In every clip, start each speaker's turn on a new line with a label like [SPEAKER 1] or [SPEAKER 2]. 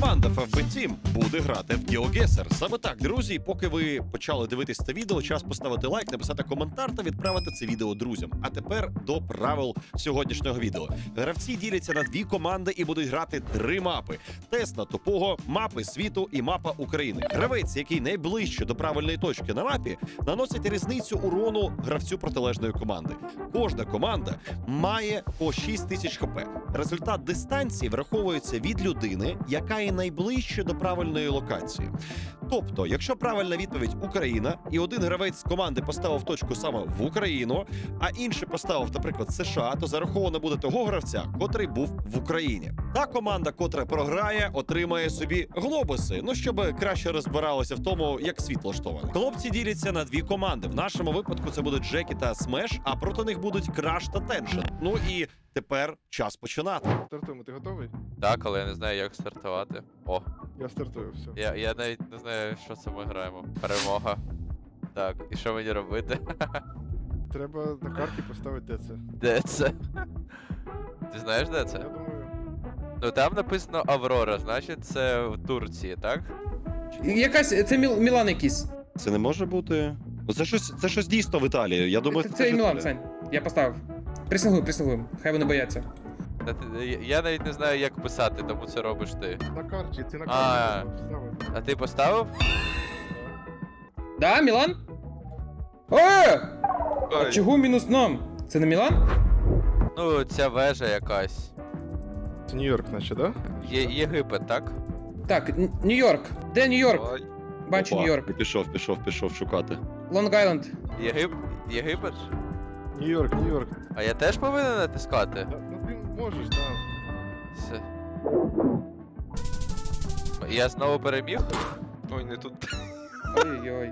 [SPEAKER 1] Команда FFB Team буде грати в GeoGuessr. Саме так, друзі, поки ви почали дивитись це відео, час поставити лайк, написати коментар та відправити це відео друзям. А тепер до правил сьогоднішнього відео. Гравці діляться на дві команди і будуть грати 3 мапи. Тест на тупого, мапи світу і мапа України. Гравець, який найближче до правильної точки на мапі, наносить різницю урону гравцю протилежної команди. Кожна команда має по 6000 хп. Результат дистанції враховується від людини, яка є найближче до правильної локації. Тобто, якщо правильна відповідь Україна, і один гравець з команди поставив точку саме в Україну, а інший поставив, наприклад, США, то зараховано буде того гравця, котрий був в Україні. Та команда, котра програє, отримає собі глобуси, щоб краще розбиралося в тому, як світ влаштований. Хлопці діляться на дві команди. В нашому випадку це будуть Джекі та Смеш, а проти них будуть Краш та Теншн. Ну і тепер час починати.
[SPEAKER 2] Стартуємо, ти готовий?
[SPEAKER 3] Так, але я не знаю, як стартувати. О,
[SPEAKER 2] Я стартую, все.
[SPEAKER 3] я навіть не знаю, що це ми граємо. Перемога. Так, і що мені робити?
[SPEAKER 2] Треба на карті поставити, де це.
[SPEAKER 3] Де це? Ти знаєш, де
[SPEAKER 2] Я
[SPEAKER 3] це?
[SPEAKER 2] думаю.
[SPEAKER 3] Ну там написано Аврора, значить це в Турції, так?
[SPEAKER 4] Якась, це Мілан якийсь.
[SPEAKER 1] Це не може бути. Це щось дійсно в Італії. Я думаю,
[SPEAKER 4] Це
[SPEAKER 1] ж
[SPEAKER 4] Мілан,
[SPEAKER 1] Італія.
[SPEAKER 4] Сань. Я поставив. Присягую. Хай вони бояться.
[SPEAKER 3] Я навіть не знаю, як писати, тому це робиш ти.
[SPEAKER 2] На карті, ти на
[SPEAKER 3] А.
[SPEAKER 2] карті поставити.
[SPEAKER 3] А ти поставив?
[SPEAKER 4] Да, Мілан? О! А чого мінус нам? Це не Мілан?
[SPEAKER 3] Ну, ця вежа якась.
[SPEAKER 2] Це Нью-Йорк, наче, да?
[SPEAKER 3] Єгипет, так?
[SPEAKER 4] Так, Нью-Йорк. Де Нью-Йорк? Бачу
[SPEAKER 1] Опа,
[SPEAKER 4] Нью-Йорк.
[SPEAKER 1] Пішов шукати.
[SPEAKER 4] Лонг-Айленд.
[SPEAKER 3] Єгипет?
[SPEAKER 2] Нью-Йорк.
[SPEAKER 3] А я теж повинен натискати?
[SPEAKER 2] Ну ти можеш, да.
[SPEAKER 3] Все. Я знову переміг?
[SPEAKER 5] Ой, не тут.
[SPEAKER 4] Ой-ой-ой.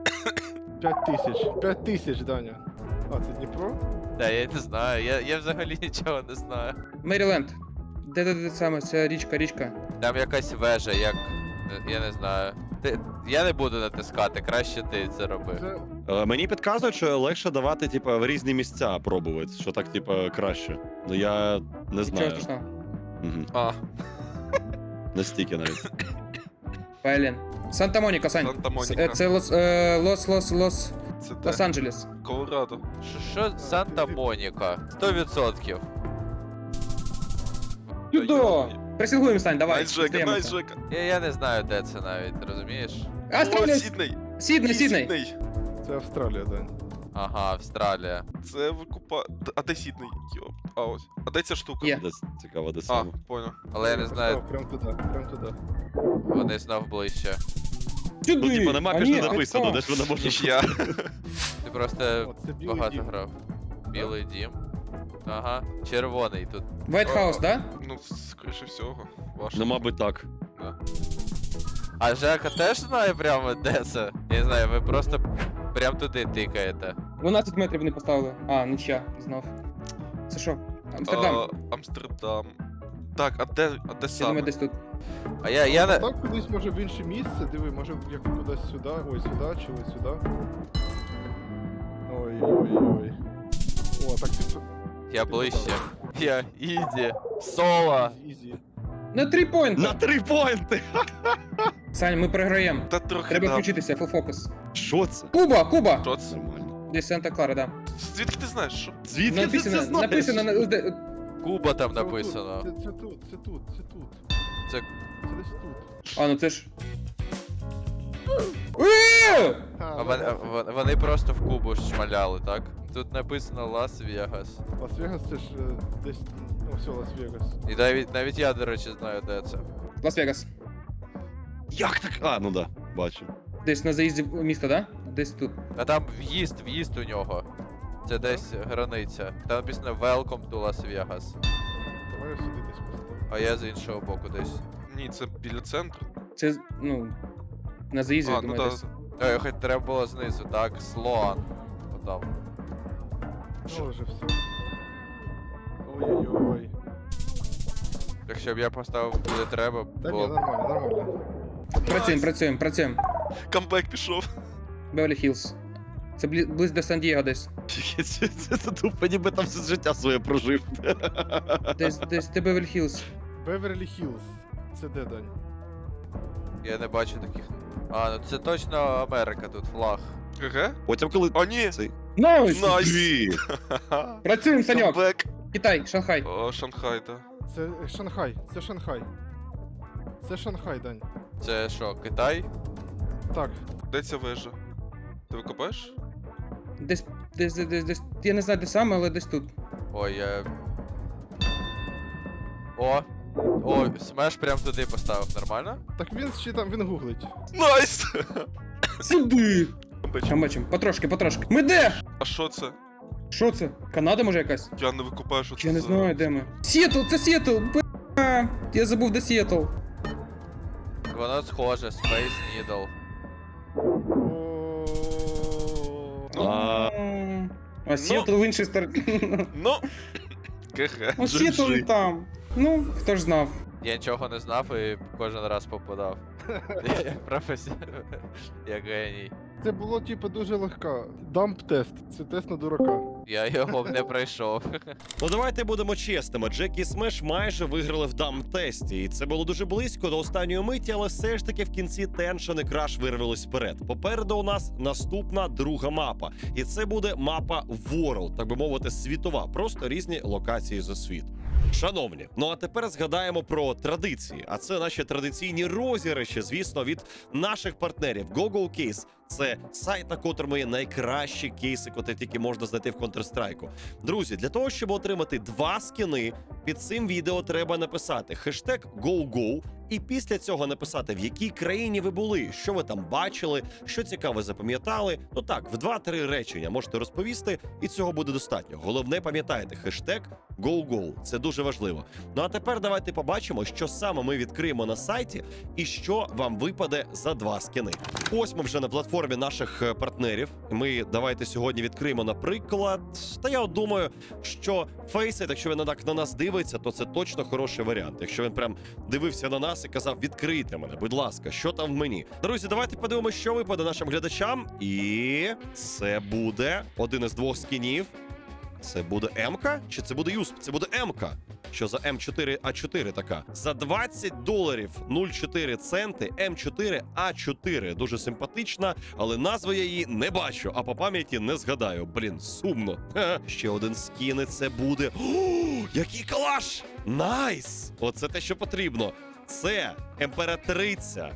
[SPEAKER 2] 5000, Даня. А, це Дніпро?
[SPEAKER 3] Та я не знаю, я взагалі нічого не знаю.
[SPEAKER 4] Меріленд. Де саме? Це річка.
[SPEAKER 3] Там якась вежа, як. Я не знаю. Я не буду натискати, краще ти це роби.
[SPEAKER 2] Це...
[SPEAKER 1] Мені підказують, що легше давати, в різні місця пробувати, що так, краще. Ну я не
[SPEAKER 4] Нічого
[SPEAKER 1] знаю.
[SPEAKER 4] страшного.
[SPEAKER 1] Угу.
[SPEAKER 3] А,
[SPEAKER 1] Настільки навіть.
[SPEAKER 4] Блін. Санта-Моніка, Сань.
[SPEAKER 5] Санта-Моніка.
[SPEAKER 4] Це
[SPEAKER 5] Це де?
[SPEAKER 4] Лос-Анджелес.
[SPEAKER 5] Колорадо.
[SPEAKER 3] що Санта-Моніка? 100%.
[SPEAKER 4] Чудо! Присягуємо, Сань, давай.
[SPEAKER 5] Найджека,
[SPEAKER 4] Стаємося.
[SPEAKER 5] Найджека.
[SPEAKER 3] Я не знаю, де це навіть, розумієш?
[SPEAKER 4] Австралія.
[SPEAKER 5] О, Сідней.
[SPEAKER 4] Сідней.
[SPEAKER 2] Це Австралія, Дань.
[SPEAKER 3] Ага, Австралія.
[SPEAKER 5] Це викупа... А де Сідней? Йоп. А ось. А де ця штука?
[SPEAKER 4] Є.
[SPEAKER 1] Цікаво, де
[SPEAKER 5] А,
[SPEAKER 1] саме.
[SPEAKER 5] понял.
[SPEAKER 3] Але я не знаю,
[SPEAKER 2] Поставив прям туди.
[SPEAKER 3] вони знов ближче.
[SPEAKER 1] Ну, на мапі ж не написано, де ж вона може бути.
[SPEAKER 5] Я.
[SPEAKER 3] Ти просто
[SPEAKER 2] О, це білий
[SPEAKER 3] багато
[SPEAKER 2] дім.
[SPEAKER 3] грав. Білий дім. Ага, червоний тут.
[SPEAKER 4] White House, да?
[SPEAKER 5] Ну, скоріше всього. Ваш.
[SPEAKER 1] Ну, мабуть, так.
[SPEAKER 3] А Жека теж знає прямо де це? Я не знаю, ви просто прям туди тикаєте.
[SPEAKER 4] 12 метрів вони поставили. А, нічия, знов. Це що? Амстердам.
[SPEAKER 5] Амстердам. Так, а де
[SPEAKER 4] Я
[SPEAKER 5] саме?
[SPEAKER 4] думаю, десь тут.
[SPEAKER 3] А я не.
[SPEAKER 2] Так кудись може в інше місце, диви, може як кудись сюди, ой, сюди, чи ось сюди. Ой. О, так ти...
[SPEAKER 3] Я ближче. Я Іді. Соло.
[SPEAKER 2] Ізі.
[SPEAKER 4] На 3 поінти!
[SPEAKER 1] На 3 поінти!
[SPEAKER 4] Сань, ми програємо.
[SPEAKER 5] Та трохи
[SPEAKER 4] Треба
[SPEAKER 5] да.
[SPEAKER 4] включитися, full focus.
[SPEAKER 1] Що це?
[SPEAKER 4] Куба!
[SPEAKER 5] Що це?
[SPEAKER 1] Нормально.
[SPEAKER 4] Десь Санта-Клара, да.
[SPEAKER 5] Звідки ти знаєш, що?
[SPEAKER 1] Звідки ти це знаєш?
[SPEAKER 4] Написано,
[SPEAKER 3] Куба там
[SPEAKER 2] Це
[SPEAKER 3] написано.
[SPEAKER 2] отут. Це тут.
[SPEAKER 3] Це-
[SPEAKER 2] Це десь тут.
[SPEAKER 4] А, ну це ж...
[SPEAKER 3] А вони просто в Кубу шмаляли, так? Тут написано Лас-Вегас.
[SPEAKER 2] Лас-Вегас це ж десь... Ну, все, Лас-Вегас.
[SPEAKER 3] І навіть я, до речі, знаю, де це.
[SPEAKER 4] Лас-Вегас.
[SPEAKER 1] Як так? А, ну да, бачу.
[SPEAKER 4] Десь на заїзді в місто, да? Десь тут.
[SPEAKER 3] А там в'їзд у нього. Це десь границя. Там написано Welcome to Las Vegas.
[SPEAKER 2] Давай я сюди десь поставлю.
[SPEAKER 3] А я з іншого боку десь.
[SPEAKER 5] Ні, це біля центру.
[SPEAKER 4] Це, ну... На заїзді,
[SPEAKER 5] А,
[SPEAKER 4] я
[SPEAKER 5] ну
[SPEAKER 4] думаю,
[SPEAKER 5] да.
[SPEAKER 4] десь.
[SPEAKER 3] Хоч треба було знизу, так? Слоан. Отам.
[SPEAKER 2] Ну, вже все. Ой-ой-ой.
[SPEAKER 3] Якщо б я поставив куди треба,
[SPEAKER 2] Та ні,
[SPEAKER 3] було б.
[SPEAKER 2] нормально.
[SPEAKER 4] Працюємо.
[SPEAKER 5] Камбек пішов.
[SPEAKER 4] Беверлі Хіллз. Це близько до Сан-Дієго десь.
[SPEAKER 1] Це тупо, ніби там все життя своє прожив.
[SPEAKER 4] Десь ти Беверлі Хіллз.
[SPEAKER 2] Беверлі Хіллз. Це де, Дань?
[SPEAKER 3] Я не бачу таких. А, ну це точно Америка тут флаг.
[SPEAKER 5] ГГ?
[SPEAKER 1] Потім, коли
[SPEAKER 5] О, ні!
[SPEAKER 1] цей
[SPEAKER 4] Найс!
[SPEAKER 5] Найс!
[SPEAKER 1] Дві.
[SPEAKER 4] Працюємо, Саньок!
[SPEAKER 5] Камбек.
[SPEAKER 4] Китай, Шанхай.
[SPEAKER 5] О, Шанхай, да.
[SPEAKER 2] Це Шанхай, це Шанхай. Це Шанхай, Дань.
[SPEAKER 3] Це що, Китай?
[SPEAKER 2] Так,
[SPEAKER 5] Де ця вежа? Ти викопаєш?
[SPEAKER 4] Десь, я не знаю де саме, але десь тут.
[SPEAKER 3] Ой, я... О, смеш прям туди поставив, нормально?
[SPEAKER 2] так він ще там, він гуглить.
[SPEAKER 5] Найс!
[SPEAKER 4] Сюди!
[SPEAKER 5] Бачу.
[SPEAKER 4] Там бачимо, потрошки. Ми де?
[SPEAKER 5] А що це?
[SPEAKER 4] Що це? Канада може якась?
[SPEAKER 5] Я не викопаю, що це
[SPEAKER 4] Я не
[SPEAKER 5] за-
[SPEAKER 4] знаю, де ми. Сіетл, це Сіетл! Б***ь, я забув, де Сіетл.
[SPEAKER 3] Воно схоже, Space Needle.
[SPEAKER 2] О,
[SPEAKER 4] А Сіетл в іншій стороні.
[SPEAKER 5] Ну, ГГ.
[SPEAKER 4] Ну, Сіетл там. Ну, хто ж знав.
[SPEAKER 3] Я нічого не знав і кожен раз попадав. Я професіонал. Я геній.
[SPEAKER 2] Це було типу дуже легка. Дамп-тест. Це тест на дурака.
[SPEAKER 3] Я його не пройшов.
[SPEAKER 1] Ну давайте будемо чесними. Джекі і Смеш майже виграли в дам-тесті, і це було дуже близько до останньої миті, але все ж таки в кінці Теншен і Краш вирвались вперед. Попереду у нас наступна друга мапа, і це буде мапа World, так би мовити, світова, просто різні локації за світ. Шановні, ну а тепер згадаємо про традиції. А це наші традиційні розіграші, звісно, від наших партнерів GoGo Case. Це сайт, на котрому є найкращі кейси, котрі тільки можна знайти в Counter-Strike. Друзі, для того, щоб отримати 2 скіни, під цим відео треба написати хештег GoGo і після цього написати, в якій країні ви були, що ви там бачили, що цікаве запам'ятали. Ну так, в 2-3 речення можете розповісти, і цього буде достатньо. Головне, пам'ятайте, хештег GoGo. Це дуже важливо. Ну а тепер давайте побачимо, що саме ми відкриємо на сайті і що вам випаде за 2 скіни. Ось ми вже на платформі наших партнерів. Ми давайте сьогодні відкриємо, наприклад. Та я от думаю, що Фейсит, якщо він так на нас дивиться, то це точно хороший варіант. Якщо він прям дивився на нас і казав: відкрийте мене, будь ласка, що там в мені. Друзі, давайте подивимося, що випаде нашим глядачам. І це буде один із 2 скінів. Це буде М-ка? Чи це буде Юсп? Це буде М-ка. Що за М4А4 така? За $20 0,4 центи М4А4. Дуже симпатична, але назви я її не бачу, а по пам'яті не згадаю. Блін, сумно. Ха. Ще один скін, і це буде. О, який калаш! Найс! Оце те, що потрібно. Це Імператриця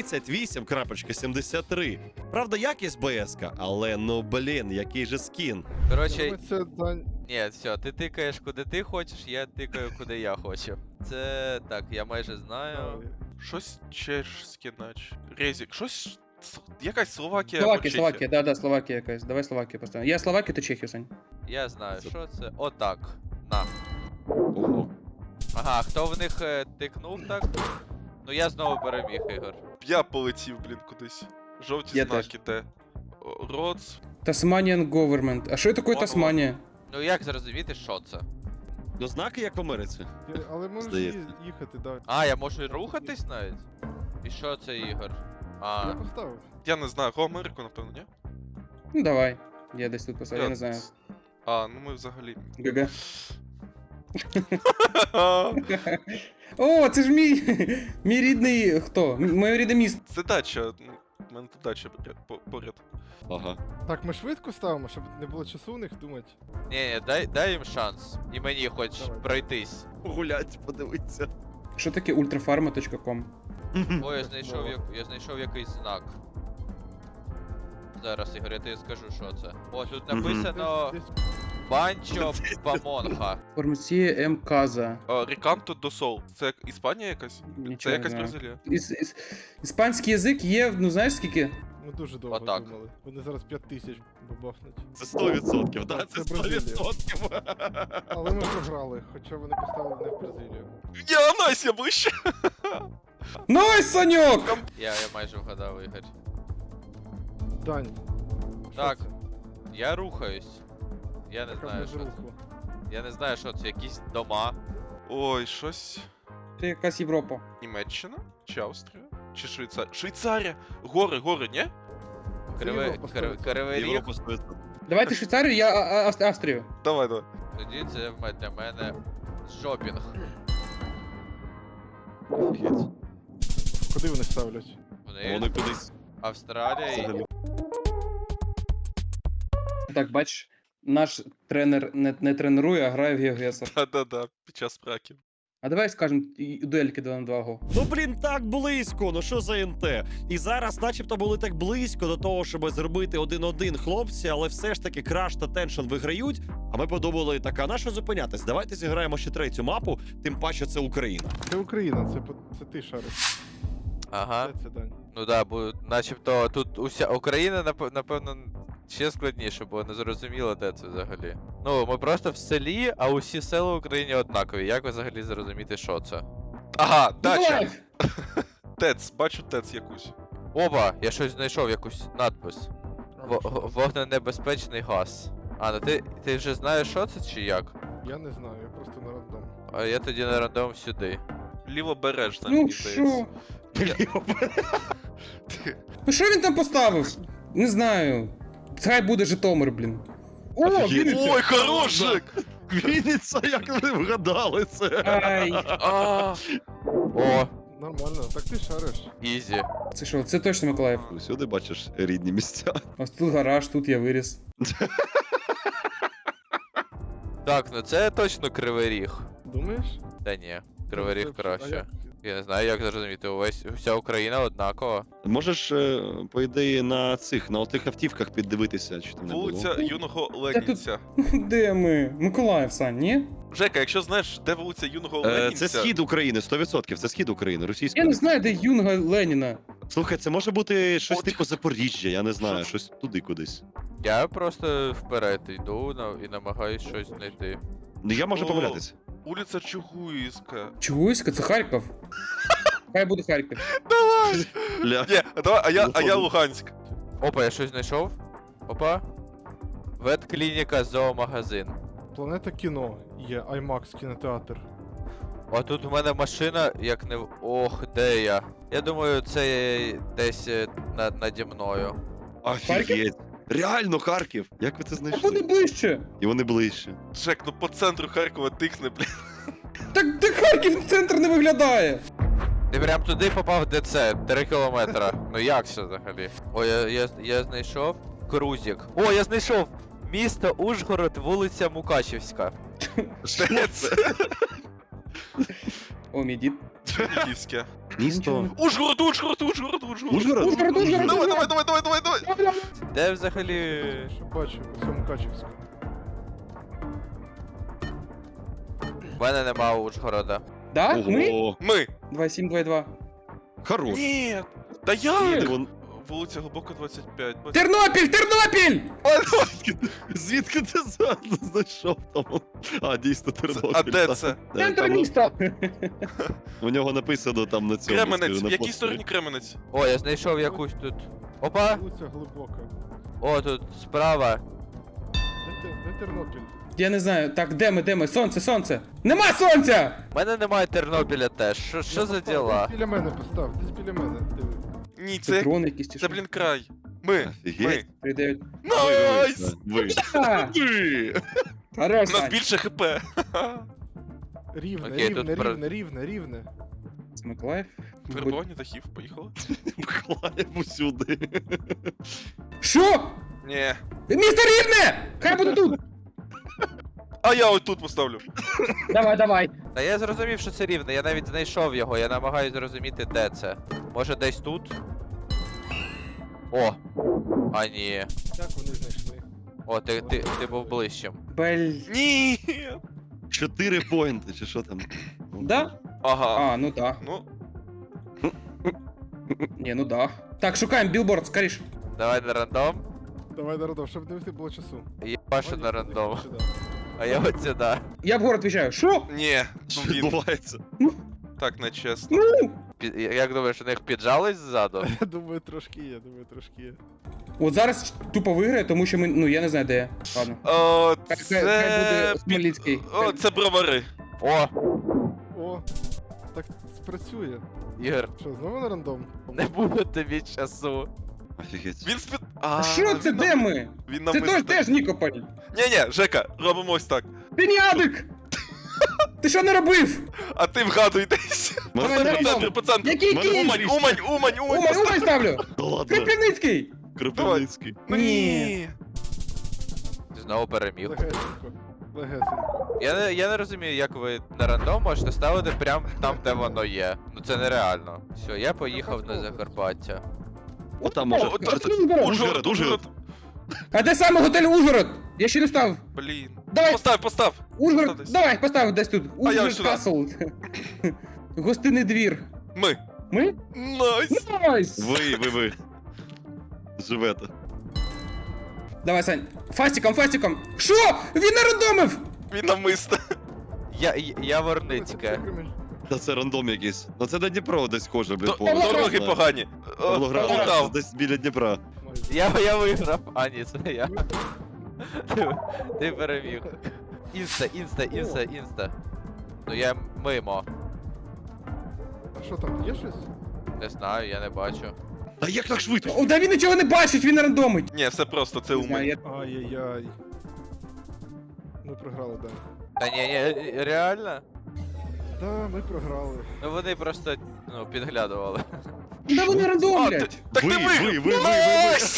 [SPEAKER 1] 38.73. Правда, якість БС-ка, але ну блін, який же скін.
[SPEAKER 3] Коротше,
[SPEAKER 2] Це Дань.
[SPEAKER 3] ні, все, ти тикаєш куди ти хочеш, я тикаю куди я хочу. Це так, я майже знаю.
[SPEAKER 5] Щось чешське, наче. Резік, щось... Якась Словакія або Чехія.
[SPEAKER 4] Словакія, да, Словакія якась. Давай Словакію поставимо. Я Словакію, то Чехію, Сань.
[SPEAKER 3] Я знаю, що це. Отак. На.
[SPEAKER 1] Ого.
[SPEAKER 3] Ага, хто в них тикнув так? Ну я знову переміг, Ігор.
[SPEAKER 5] Я полетів, блін, кудись. Жовті
[SPEAKER 4] Я
[SPEAKER 5] знаки, те. Роц.
[SPEAKER 4] Tasmanian Government. А що таке
[SPEAKER 5] Ладно,
[SPEAKER 4] Тасманія?
[SPEAKER 3] Ну як зрозуміти, що це?
[SPEAKER 1] Ну, знаки, як в Америці.
[SPEAKER 2] Але можеш
[SPEAKER 1] Здається.
[SPEAKER 2] їхати, да.
[SPEAKER 3] А, я можу і рухатись навіть? І що це, Ігор? А,
[SPEAKER 2] Я поставив.
[SPEAKER 5] Я не знаю, го Америку, напевно, ні?
[SPEAKER 4] Ну давай. Я десь тут поставив, я не знаю.
[SPEAKER 5] А, ну ми взагалі.
[SPEAKER 4] ГГ. О, це ж мій рідний хто? Моє рідне місто.
[SPEAKER 5] Це дача. Ну, в мене тут дача поряд.
[SPEAKER 1] Ага.
[SPEAKER 2] Так, ми швидко ставимо, щоб не було часу у них думати.
[SPEAKER 3] ні, дай їм шанс. І мені хоч
[SPEAKER 2] Давай.
[SPEAKER 3] пройтись.
[SPEAKER 1] Погулять, подивитися.
[SPEAKER 4] Що таке ultrafarma.com?
[SPEAKER 3] О, я знайшов якийсь знак. Зараз, Ігор, я тобі скажу, що це. О, тут написано Банчо Памонха.
[SPEAKER 4] Фармація М. Каза.
[SPEAKER 5] Ріканто до Сол. Це як Іспанія якась? Це
[SPEAKER 4] Нічого не
[SPEAKER 5] якась
[SPEAKER 4] знаю.
[SPEAKER 5] Бразилія.
[SPEAKER 4] Іспанський язик є, ну знаєш скільки?
[SPEAKER 2] Ми дуже довго
[SPEAKER 3] Отак.
[SPEAKER 2] думали. Вони зараз 5000 бабахнуть.
[SPEAKER 1] Це 100%, да? Це
[SPEAKER 2] Це Бразилія.
[SPEAKER 1] 100%.
[SPEAKER 2] Але ми програли, хоча вони поставили не в Бразилію.
[SPEAKER 5] Я найс, я ближче!
[SPEAKER 4] Найс, Саньок!
[SPEAKER 3] Я майже вгадав, Ігор.
[SPEAKER 2] Дань. що
[SPEAKER 3] Так.
[SPEAKER 2] це?
[SPEAKER 3] Я рухаюсь. Я не
[SPEAKER 2] Яка
[SPEAKER 3] знаю,
[SPEAKER 2] без
[SPEAKER 3] що це.
[SPEAKER 2] руху.
[SPEAKER 3] Я не знаю, що це, якісь дома.
[SPEAKER 5] Ой, щось.
[SPEAKER 4] Це якась Європа.
[SPEAKER 5] Німеччина? Чи Австрія? Чи Швейцарія? Швейцарія! Гори, ні?
[SPEAKER 2] Це
[SPEAKER 3] Кривий
[SPEAKER 2] Європа, 100%.
[SPEAKER 3] Кривий ріг.
[SPEAKER 1] Європа 100%.
[SPEAKER 4] Давайте Швейцарію, я Австрію.
[SPEAKER 5] Давай.
[SPEAKER 3] Тоді це для мене шопінг.
[SPEAKER 1] Офігеть.
[SPEAKER 2] Куди вони ставлять?
[SPEAKER 1] Вони кудись.
[SPEAKER 3] Австралія і...
[SPEAKER 1] Взагалі.
[SPEAKER 4] Так, бач, наш тренер не тренує, а грає в GeoGuessr.
[SPEAKER 5] Да-да-да, під час праків.
[SPEAKER 4] А давай скажемо дуельки 2 на 2 го.
[SPEAKER 1] Ну блін, так близько, ну що за НТ? І зараз начебто були так близько до того, щоб зробити 1-1 хлопці, але все ж таки Краш та Теншн виграють. А ми подумали, так, а на що зупинятись? Давайте зіграємо ще третю мапу, тим паче це Україна.
[SPEAKER 2] Це Україна, це ти шариш.
[SPEAKER 3] Ага.
[SPEAKER 2] Де це, Дань?
[SPEAKER 3] Ну да, бо начебто тут уся Україна, напевно, ще складніше, бо не зрозуміло, де це взагалі. Ну, ми просто в селі, а усі села в Україні однакові. Як взагалі зрозуміти, що це?
[SPEAKER 5] Ага, дача.
[SPEAKER 4] Давай!
[SPEAKER 5] ТЕЦ, бачу ТЕЦ якусь.
[SPEAKER 3] Опа, я щось знайшов, якусь надпис. Вогненебезпечний газ. А, ну ти вже знаєш, що це чи як?
[SPEAKER 2] Я не знаю, я просто на рандом.
[SPEAKER 3] А я тоді на рандом сюди.
[SPEAKER 5] Лівобережна,
[SPEAKER 4] Ну
[SPEAKER 5] мені
[SPEAKER 4] що?
[SPEAKER 5] здається.
[SPEAKER 4] Ну що він там поставив? Не знаю. Хай буде Житомир, блін. О,
[SPEAKER 1] Офігеть.
[SPEAKER 4] Вінниця!
[SPEAKER 5] Ой, хорошик!
[SPEAKER 1] Вінниця, як ви вгадали це?
[SPEAKER 4] Ай,
[SPEAKER 5] А,
[SPEAKER 3] О,
[SPEAKER 2] Нормально, так ти шариш.
[SPEAKER 3] ізі.
[SPEAKER 4] це що, це точно Миколаїв.
[SPEAKER 1] Усюди бачиш рідні місця.
[SPEAKER 4] Ось тут гараж, тут я виріс.
[SPEAKER 3] Так, ну це точно Кривий Ріг.
[SPEAKER 2] Думаєш?
[SPEAKER 3] Та ні, Кривий Ріг
[SPEAKER 2] Ну, це- а
[SPEAKER 3] краще.
[SPEAKER 2] як?
[SPEAKER 3] Я не знаю, як зрозуміти, вся Україна однакова.
[SPEAKER 1] Можеш, по ідеї, на отих автівках піддивитися, чи там не було.
[SPEAKER 5] вулиця Юного Ленінця.
[SPEAKER 4] Де ми? Миколаїв, Сань, ні?
[SPEAKER 5] Жека, якщо знаєш, де вулиця Юного Ленінця...
[SPEAKER 1] Це схід України, 100%, це схід України, російська.
[SPEAKER 4] Я не знаю, де Юнга Леніна.
[SPEAKER 1] Слухай, це може бути щось
[SPEAKER 5] От.
[SPEAKER 1] типу Запоріжжя, я не знаю,
[SPEAKER 5] Що?
[SPEAKER 1] щось туди кудись.
[SPEAKER 3] Я просто вперед йду і намагаюсь щось знайти.
[SPEAKER 1] Ну я можу
[SPEAKER 5] О.
[SPEAKER 1] помилятися.
[SPEAKER 5] Вулиця Чугуївська.
[SPEAKER 4] Чугуйська, це Харків. Хай буде Харків.
[SPEAKER 5] Давай!
[SPEAKER 1] Ля.
[SPEAKER 5] Ні, давай, а я
[SPEAKER 1] Виходить.
[SPEAKER 5] Луганськ.
[SPEAKER 3] Опа, я щось знайшов. Опа. Ветклініка, зоомагазин.
[SPEAKER 2] Планета кіно є, IMAX кінотеатр.
[SPEAKER 3] А тут в мене машина, як не. Ох, де я? Я думаю, це десь наді мною.
[SPEAKER 1] Офігеть. Реально Харків. Як ви це
[SPEAKER 4] А буде
[SPEAKER 1] знайшли?
[SPEAKER 4] ближче.
[SPEAKER 1] І вони ближче.
[SPEAKER 5] Жек, ну по центру Харкова тикне, блін.
[SPEAKER 4] Так де Харків центр не виглядає.
[SPEAKER 3] Ти прям туди попав, де це? 3 кілометра. Ну як це взагалі? О, я знайшов Крузік. О, я знайшов! Місто Ужгород, вулиця Мукачівська.
[SPEAKER 5] Де це?
[SPEAKER 4] О, мій дід.
[SPEAKER 5] Чернігівське.
[SPEAKER 1] Місто.
[SPEAKER 5] Ужгород!
[SPEAKER 1] Ужгород?
[SPEAKER 4] Ужгород.
[SPEAKER 5] Давай!
[SPEAKER 3] Де взагалі.
[SPEAKER 2] Що бачу, це Мукачівська.
[SPEAKER 3] В мене нема Ужгорода.
[SPEAKER 4] Да? Ми?
[SPEAKER 1] Ого.
[SPEAKER 5] Ми!
[SPEAKER 4] 2722.
[SPEAKER 1] Хорош.
[SPEAKER 5] Ні! Та
[SPEAKER 1] Де
[SPEAKER 5] як?
[SPEAKER 1] вон-
[SPEAKER 5] Вулиця Глибока, 25.
[SPEAKER 4] Тернопіль! Тернопіль!
[SPEAKER 1] Звідки ти знайшов там? А, дійсно, Тернопіль.
[SPEAKER 5] А де
[SPEAKER 1] так.
[SPEAKER 5] це?
[SPEAKER 4] Центр
[SPEAKER 1] Там
[SPEAKER 4] міста!
[SPEAKER 1] У нього написано там на цьому.
[SPEAKER 5] Кременець.
[SPEAKER 1] скажу,
[SPEAKER 5] В
[SPEAKER 1] на
[SPEAKER 5] якій
[SPEAKER 1] постері.
[SPEAKER 5] стороні Кременець?
[SPEAKER 3] О, я знайшов якусь тут. Опа!
[SPEAKER 2] Вулиця Глибока.
[SPEAKER 3] О, тут справа.
[SPEAKER 2] Де Тернопіль?
[SPEAKER 4] Я не знаю. Так, де ми, де ми? Сонце, сонце! Нема сонця!
[SPEAKER 3] У мене немає Тернопіля теж. Що
[SPEAKER 2] Я
[SPEAKER 3] за
[SPEAKER 2] постав,
[SPEAKER 3] діла?
[SPEAKER 2] Десь біля мене постав, десь біля мене. Диви.
[SPEAKER 5] Ні,
[SPEAKER 4] Це
[SPEAKER 5] це...
[SPEAKER 4] дрон якийсь чи
[SPEAKER 5] Це,
[SPEAKER 4] що?
[SPEAKER 5] блін, край. Ми.
[SPEAKER 1] Офігеть.
[SPEAKER 4] 3-9.
[SPEAKER 5] Найс!
[SPEAKER 1] Ви.
[SPEAKER 4] А,
[SPEAKER 1] Ви.
[SPEAKER 4] Хорош,
[SPEAKER 5] У нас
[SPEAKER 4] Сань.
[SPEAKER 5] більше хп.
[SPEAKER 2] Рівне,
[SPEAKER 3] Окей, тут
[SPEAKER 2] рівне.
[SPEAKER 4] Це Миколаїв.
[SPEAKER 5] Перебування дахів, поїхали.
[SPEAKER 1] Миколаїв усюди.
[SPEAKER 4] Що?
[SPEAKER 5] Ні.
[SPEAKER 4] Місто Рівне! Хай буде тут!
[SPEAKER 5] А я ось тут поставлю.
[SPEAKER 4] Давай, давай.
[SPEAKER 3] Та я зрозумів, що це рівне, я навіть знайшов його, я намагаюсь зрозуміти, де це. Може десь тут? О! А ні.
[SPEAKER 2] Як вони знайшли?
[SPEAKER 3] О, ти був ближчим.
[SPEAKER 4] Бель.
[SPEAKER 5] Ні.
[SPEAKER 1] 4 поінти, чи що там?
[SPEAKER 4] Да?
[SPEAKER 5] Ага.
[SPEAKER 4] А, ну да.
[SPEAKER 5] Ну,
[SPEAKER 4] Ні, ну да. Так, шукаємо білборд, скоріш.
[SPEAKER 3] Давай на рандом.
[SPEAKER 2] Давай на рандом, щоб не було часу.
[SPEAKER 3] Я бачу на
[SPEAKER 2] Ваня,
[SPEAKER 3] рандом.
[SPEAKER 2] сюди.
[SPEAKER 3] А я от сюди.
[SPEAKER 4] Я в город в'їжджаю. Що?
[SPEAKER 5] ні.
[SPEAKER 1] Що
[SPEAKER 5] Ну, він
[SPEAKER 1] відбувається?
[SPEAKER 5] так нечесно.
[SPEAKER 4] Ну!
[SPEAKER 3] Як думаєш, у них піджались ззаду?
[SPEAKER 2] Я думаю, трошки є.
[SPEAKER 4] От зараз тупо виграє, тому що ми. Ну я не знаю, де я. Ладно.
[SPEAKER 5] О,
[SPEAKER 4] Хай буде
[SPEAKER 5] це...
[SPEAKER 4] Смолінський.
[SPEAKER 5] О, це бровари.
[SPEAKER 3] О,
[SPEAKER 2] О, так спрацює.
[SPEAKER 3] Ігор,
[SPEAKER 2] Що, знову на рандом?
[SPEAKER 3] не буде тобі часу.
[SPEAKER 1] Офігеть.
[SPEAKER 5] Він спід...
[SPEAKER 4] А що це,
[SPEAKER 5] він
[SPEAKER 4] де
[SPEAKER 5] нам-
[SPEAKER 4] ми?
[SPEAKER 5] Він нам
[SPEAKER 4] Це теж Нікополь.
[SPEAKER 5] Ні-ні, Жека, робимо ось так.
[SPEAKER 4] Ти не адик! Ти що не робив?
[SPEAKER 5] А ти вгадуй десь.
[SPEAKER 1] Мене
[SPEAKER 4] Давай,
[SPEAKER 1] теж
[SPEAKER 4] рандом.
[SPEAKER 5] По центру, по центру.
[SPEAKER 4] Який
[SPEAKER 1] Мене
[SPEAKER 4] кінь? Умань ставлю!
[SPEAKER 1] Да ладно,
[SPEAKER 4] Кропивницький!
[SPEAKER 1] Кропивницький.
[SPEAKER 5] Ну ні.
[SPEAKER 3] Знову переміг.
[SPEAKER 2] Легесенько. Легесенько.
[SPEAKER 3] Я не розумію, як ви на рандом можете ставити прямо там, де воно є. Ну це нереально. Все, я поїхав на Закарпаття.
[SPEAKER 1] О, там може.
[SPEAKER 5] О,
[SPEAKER 1] Ужгород, Ужгород.
[SPEAKER 4] А де саме готель Ужгород? Я ще не став.
[SPEAKER 5] Блін.
[SPEAKER 4] Давай.
[SPEAKER 5] Постав.
[SPEAKER 4] Ужгород,
[SPEAKER 5] Десь.
[SPEAKER 4] давай, постав десь тут.
[SPEAKER 5] А я
[SPEAKER 4] Ужгород
[SPEAKER 5] сюди.
[SPEAKER 4] Касл. Гостинний двір.
[SPEAKER 5] Ми.
[SPEAKER 4] Ми?
[SPEAKER 5] Найс.
[SPEAKER 4] Найс!
[SPEAKER 1] Ви. Живете.
[SPEAKER 4] Давай, Сань. Фастиком. Що? Він нарандомив!
[SPEAKER 5] Він намисто.
[SPEAKER 3] Я Ворницьке.
[SPEAKER 1] Та це рандом якийсь. Ну це на Дніпро десь схоже, блін, по.
[SPEAKER 4] Павлоград.
[SPEAKER 5] Дороги погані.
[SPEAKER 1] Павлоград,
[SPEAKER 5] Полтав.
[SPEAKER 1] десь біля Дніпра.
[SPEAKER 3] Я виграв. А, ні, це не я. Ти переміг. Інста. Ну я мимо.
[SPEAKER 2] А що там, є щось?
[SPEAKER 3] Не знаю, я не бачу.
[SPEAKER 1] Та як так швидко?
[SPEAKER 4] О, да він нічого не бачить, він рандомить.
[SPEAKER 5] Ні, все просто, це
[SPEAKER 4] Не знаю,
[SPEAKER 5] умий.
[SPEAKER 4] я-
[SPEAKER 2] Ай-яй-яй. Ми програли, да.
[SPEAKER 3] Та ні, реально?
[SPEAKER 2] Да, ми програли.
[SPEAKER 3] Ну вони просто підглядували.
[SPEAKER 4] Да вони
[SPEAKER 5] А,
[SPEAKER 4] рандомлять.
[SPEAKER 5] так ти виграв.
[SPEAKER 1] ви.
[SPEAKER 5] Найс!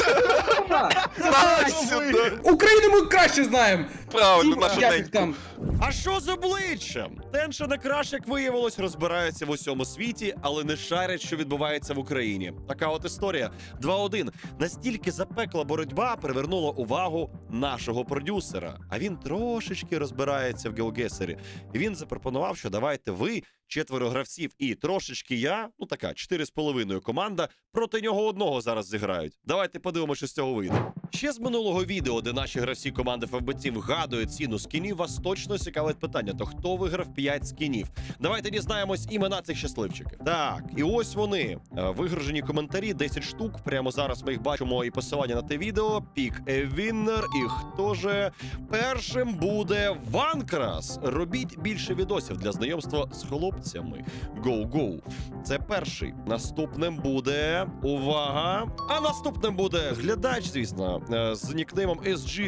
[SPEAKER 5] Найс сюди.
[SPEAKER 4] Україну ми краще знаємо.
[SPEAKER 5] Правильно, наша
[SPEAKER 4] Як їх
[SPEAKER 5] ненька.
[SPEAKER 4] там?
[SPEAKER 1] А що з обличчям? Тенша на краш, як виявилось, розбираються в усьому світі, але не шарять, що відбувається в Україні. Така от історія. 2-1. Настільки запекла боротьба привернула увагу нашого продюсера. А він трошечки розбирається в геогесері. І він запропонував, що давайте ви, 4 гравців і трошечки я, ну така 4,5 команда, проти нього одного зараз зіграють. Давайте подивимося, що з цього вийде. Ще з минулого відео, де наші гравці команди FBC вгадують ціну скінів, вас точно цікавить питання, то хто виграв 5 скінів? Давайте дізнаємось імена цих щасливчиків. Так, і ось вони. Вигружені коментарі, 10 штук. Прямо зараз ми їх бачимо і посилання на те відео. Пік Віннер. І хто же? Першим буде Ванкрас. Робіть більше відосів для знайомства з хлопцями. Гоу-гоу. Це перший. Наступним буде... Увага! А наступним буде глядач, звісно, з нікнеймом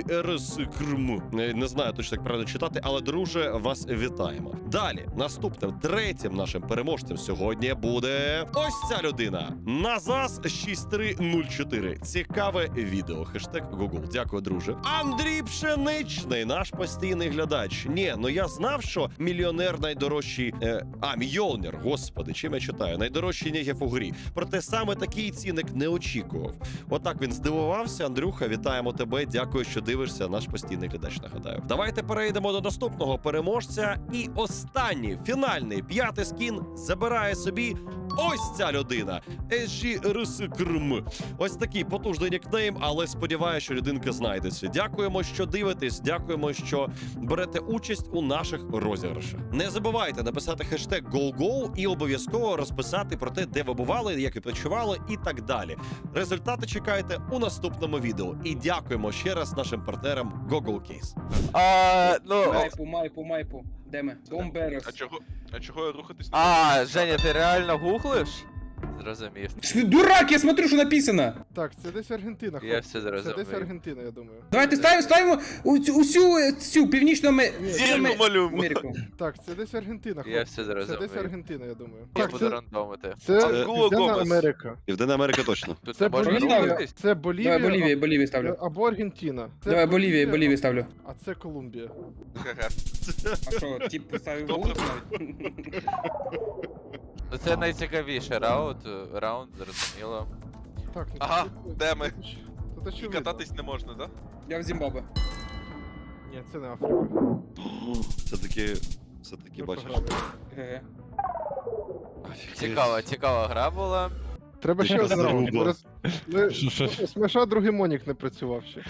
[SPEAKER 1] SGRSKRM. Не знаю точно, як правильно читати, але, друже, вас вітаємо. Далі, наступним, третім нашим переможцем сьогодні буде ось ця людина. Назас 6304. Цікаве відео. Хештег Google. Дякую, друже. Андрій Пшеничний, наш постійний глядач. Ні, ну я знав, що мільйонер найдорожчий... Мільйонер, господи, чим я читаю? Найдорожчий нігів у грі. Проте саме такий цінник не очікував. Отак він здивувався. Андрюха, вітаємо тебе. Дякую, що дивишся. Наш постійний глядач, нагадаю. Давайте перейдемо до наступного переможця. І останній, фінальний, 5-й скін забирає собі ось ця людина. SGRSKRM. Ось такий потужний нікнейм, але сподіваюся, що людинка знайдеться. Дякуємо, що дивитесь. Дякуємо, що берете участь у наших розіграшах. Не забувайте написати хештег GoGo і обов'язково розписати про те, де ви бували, як відпочивали і так далі. Результати чекайте у наступному відео. І дякуємо ще раз нашим партнерам GoGoCase.
[SPEAKER 4] Майпу. Де ми? Бомберос.
[SPEAKER 5] А чого я рухатись не
[SPEAKER 3] А, Женя, ти реально гуглиш? Зрозумів.
[SPEAKER 4] Ти дурак, я смотрю, що написано.
[SPEAKER 2] Так, це десь Аргентина,
[SPEAKER 3] Я
[SPEAKER 2] хлопці.
[SPEAKER 3] все
[SPEAKER 2] Це
[SPEAKER 3] зрозумів.
[SPEAKER 2] десь Аргентина, я думаю.
[SPEAKER 4] Давайте ставимо усю цю північну
[SPEAKER 5] Зірку малюємо.
[SPEAKER 4] Америку.
[SPEAKER 2] Так, це десь Аргентина, хлопці.
[SPEAKER 3] Я все
[SPEAKER 2] Це
[SPEAKER 3] зрозумів.
[SPEAKER 2] десь Аргентина, я думаю.
[SPEAKER 3] Я
[SPEAKER 2] Так,
[SPEAKER 3] буду
[SPEAKER 2] це,
[SPEAKER 3] рандомити.
[SPEAKER 2] це
[SPEAKER 5] Акула
[SPEAKER 2] Південна
[SPEAKER 5] Гомес.
[SPEAKER 2] Америка.
[SPEAKER 1] Південна Америка точно.
[SPEAKER 3] Тут
[SPEAKER 2] Це
[SPEAKER 3] не можна
[SPEAKER 2] Болівія,
[SPEAKER 3] рухатись?
[SPEAKER 2] це Болівія,
[SPEAKER 4] Давай Болівію ставлю.
[SPEAKER 2] або Аргентина. Це
[SPEAKER 4] Давай Болівію ставлю.
[SPEAKER 2] А це Колумбія.
[SPEAKER 5] Ха-ха.
[SPEAKER 4] А що, тип поставив
[SPEAKER 5] Добре.
[SPEAKER 3] Ну це найцікавіший раунд, зрозуміло.
[SPEAKER 2] Так, ну
[SPEAKER 5] Ага,
[SPEAKER 2] тут-
[SPEAKER 5] де ми?
[SPEAKER 2] Тут
[SPEAKER 5] І
[SPEAKER 2] очевидно.
[SPEAKER 5] кататись не можна, да?
[SPEAKER 4] Я в Зімбабве.
[SPEAKER 2] Ні, це не Африка.
[SPEAKER 1] Це таки
[SPEAKER 2] Ми
[SPEAKER 1] бачиш.
[SPEAKER 2] програли.
[SPEAKER 4] Ге-ге.
[SPEAKER 3] Цікава гра була.
[SPEAKER 2] Треба ще
[SPEAKER 1] Це
[SPEAKER 2] один раунд.
[SPEAKER 1] заруба.
[SPEAKER 2] Зараз- ми- Смеша другий монік не працював ще.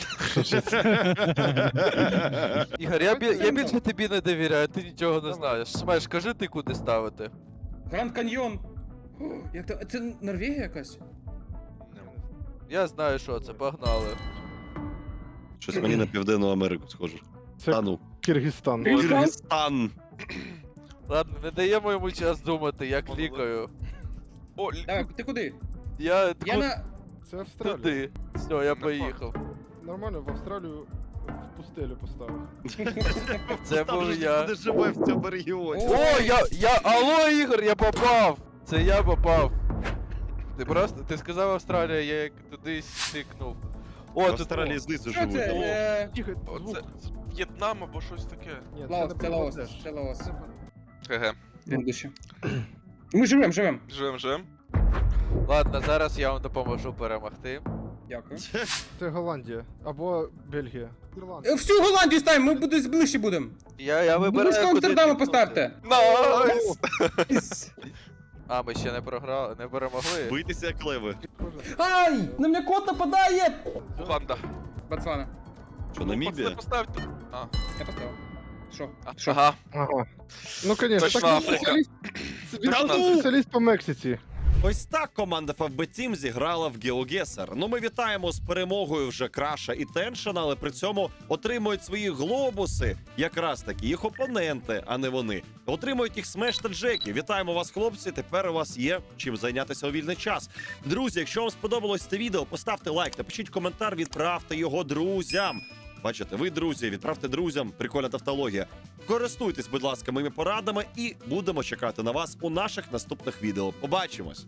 [SPEAKER 3] Ігор, я більше тобі не довіряю, ти нічого не
[SPEAKER 2] Давай.
[SPEAKER 3] знаєш. Смеш, кажи ти куди ставити.
[SPEAKER 4] Гранд Каньйон. О, як то? Це Норвегія якась?
[SPEAKER 3] Я знаю, що це, погнали.
[SPEAKER 1] Щось мені на Південну Америку схоже.
[SPEAKER 2] Це
[SPEAKER 1] Та ну.
[SPEAKER 2] Киргизстан.
[SPEAKER 1] Киргизстан.
[SPEAKER 3] Ладно, не даємо йому час думати, як
[SPEAKER 5] Молодець.
[SPEAKER 3] лікаю.
[SPEAKER 5] О,
[SPEAKER 4] Давай, ти куди?
[SPEAKER 3] Я
[SPEAKER 4] Я на...
[SPEAKER 2] Це Австралія.
[SPEAKER 3] туди. Все, я поїхав.
[SPEAKER 2] Нормально, в Австралію пустелю поставив.
[SPEAKER 3] Це
[SPEAKER 1] Там
[SPEAKER 3] був
[SPEAKER 1] же
[SPEAKER 3] я.
[SPEAKER 1] ніхто не живе в цьому регіоні.
[SPEAKER 3] О, алло, Ігор, я попав! Це я попав. Ти сказав Австралія, я як туди стикнув.
[SPEAKER 1] В
[SPEAKER 3] О, тут
[SPEAKER 1] Австралії знизу
[SPEAKER 4] Що
[SPEAKER 1] живуть.
[SPEAKER 4] це?
[SPEAKER 1] О,
[SPEAKER 2] Тихо,
[SPEAKER 5] О,
[SPEAKER 2] звук.
[SPEAKER 5] це В'єтнам або щось таке.
[SPEAKER 2] Ні,
[SPEAKER 4] Лаос, це Лаос,
[SPEAKER 2] Бангладеш.
[SPEAKER 4] це Лаос.
[SPEAKER 5] ГГ.
[SPEAKER 4] Будуще. Ми живем.
[SPEAKER 5] Жем.
[SPEAKER 3] Ладно, зараз я вам допоможу перемогти.
[SPEAKER 4] Дякую.
[SPEAKER 2] Це Голландія. Або Бельгія. Ірландія.
[SPEAKER 4] Всю Голландію ставимо, ми буде ближче будемо.
[SPEAKER 3] Я вибираю.
[SPEAKER 4] Близько
[SPEAKER 3] куди
[SPEAKER 4] Амстердама
[SPEAKER 3] тикнути.
[SPEAKER 4] поставте.
[SPEAKER 5] Найс!
[SPEAKER 3] А, ми ще не програли, не перемогли.
[SPEAKER 1] бийтеся як леви.
[SPEAKER 2] Схоже.
[SPEAKER 4] Ай! На мене кот нападає!
[SPEAKER 5] Уганда.
[SPEAKER 4] Ботсвана.
[SPEAKER 1] Що, Намібія?
[SPEAKER 5] Поставте. А,
[SPEAKER 4] Я поставив. Що?
[SPEAKER 5] ага.
[SPEAKER 2] Ага. Ну, конечно,
[SPEAKER 5] Точно
[SPEAKER 2] так
[SPEAKER 5] Африка.
[SPEAKER 2] спеціаліст.
[SPEAKER 5] Точно.
[SPEAKER 2] Спеціаліст по Мексиці.
[SPEAKER 1] Ось так команда FFB Team зіграла в GeoGuessr. Ну, ми вітаємо з перемогою вже Краша і Теншена, але при цьому отримують свої глобуси, якраз таки їх опоненти, а не вони. Отримують їх Смеш та Джекі. Вітаємо вас, хлопці. Тепер у вас є чим зайнятися у вільний час. Друзі, якщо вам сподобалось це відео, поставте лайк, напишіть коментар, відправте його друзям. Бачите, ви, друзі, відправте друзям. Прикольна тавтологія. Користуйтесь, будь ласка, моїми порадами і будемо чекати на вас у наших наступних відео. Побачимось!